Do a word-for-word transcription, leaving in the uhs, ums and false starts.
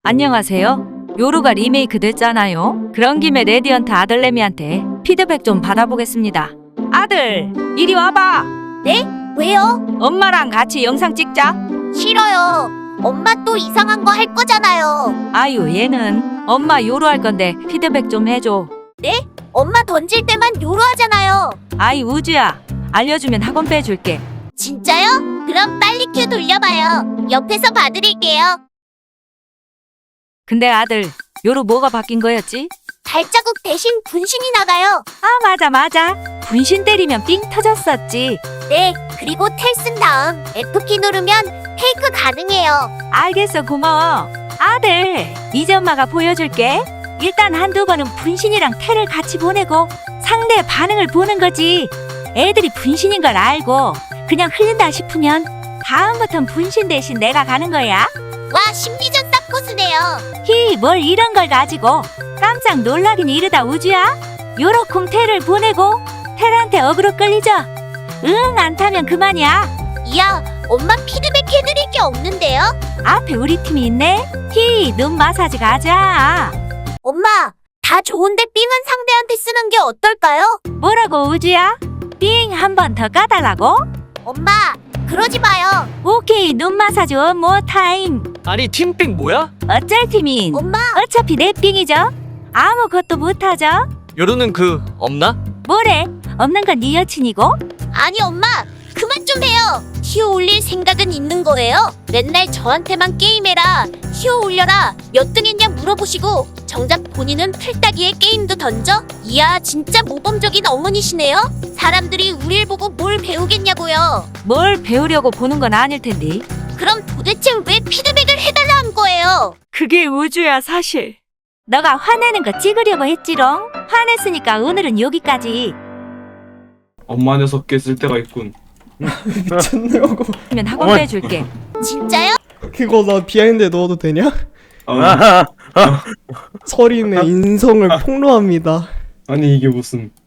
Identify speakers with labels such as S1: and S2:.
S1: 안녕하세요. 요루가 리메이크 됐잖아요. 그런 김에 레디언트 아들내미한테 피드백 좀 받아보겠습니다. 아들, 이리 와봐.
S2: 네? 왜요?
S1: 엄마랑 같이 영상 찍자.
S2: 싫어요. 엄마 또 이상한 거 할 거잖아요.
S1: 아유, 얘는 엄마 요루 할 건데 피드백 좀 해줘.
S2: 네? 엄마 던질 때만 요로 하잖아요.
S1: 아이, 우주야. 알려주면 학원 빼줄게.
S2: 진짜요? 그럼 빨리 큐 돌려봐요. 옆에서 봐드릴게요.
S1: 근데 아들, 요루 뭐가 바뀐 거였지?
S2: 발자국 대신 분신이 나가요.
S1: 아, 맞아 맞아. 분신 때리면 삥 터졌었지.
S2: 네, 그리고 텔 쓴 다음 F키 누르면 페이크 가능해요.
S1: 알겠어, 고마워. 아들, 이제 엄마가 보여줄게. 일단 한두 번은 분신이랑 텔을 같이 보내고 상대의 반응을 보는 거지. 애들이 분신인 걸 알고 그냥 흘린다 싶으면 다음부턴 분신 대신 내가 가는 거야.
S2: 와, 심리전 딱 고수네요.
S1: 히, 뭘 이런 걸 가지고 깜짝 놀라긴 이르다, 우주야. 요렇쿵 텔을 보내고 텔한테 어그로 끌리죠. 응, 안 타면 그만이야.
S2: 이야, 엄마 피드백 해드릴 게 없는데요?
S1: 앞에 우리 팀이 있네. 히, 눈 마사지 가자.
S2: 엄마, 다 좋은데 삥은 상대한테 쓰는 게 어떨까요?
S1: 뭐라고, 우주야? 삥 한 번 더 까달라고?
S2: 엄마, 그러지 마요.
S1: 오케이, 눈 마사지 원모 타임.
S3: 아니 팀빙 뭐야?
S1: 어쩔 팀인?
S2: 엄마,
S1: 어차피 내 삥이죠. 아무것도 못하죠.
S3: 요루는 그 없나?
S1: 뭐래? 없는 건 네 여친이고?
S2: 아니 엄마, 그만 좀 해요. 티오 올릴 생각은 있는 거예요? 맨날 저한테만 게임해라, 티오 올려라, 몇 등 했냐 물어보시고 정작 본인은 풀따기에 게임도 던져? 이야, 진짜 모범적인 어머니시네요. 사람들이 우릴 보고 뭘 배우겠냐고요.
S1: 뭘 배우려고 보는 건 아닐 텐데.
S2: 그럼 도대체 왜 피드백을 해달라 한 거예요?
S1: 그게 우주야, 사실. 너가 화내는 거 찍으려고 했지롱. 화냈으니까 오늘은 여기까지.
S4: 엄마 녀석 깼을 때가 있군.
S5: 미쳤냐고.
S1: 그러면 학원
S4: 어머.
S1: 빼줄게.
S2: 진짜요?
S5: 그거 나 비하인드에 넣어도 되냐?
S4: 아,
S5: 서린의 인성을 폭로합니다.
S4: 아니 이게 무슨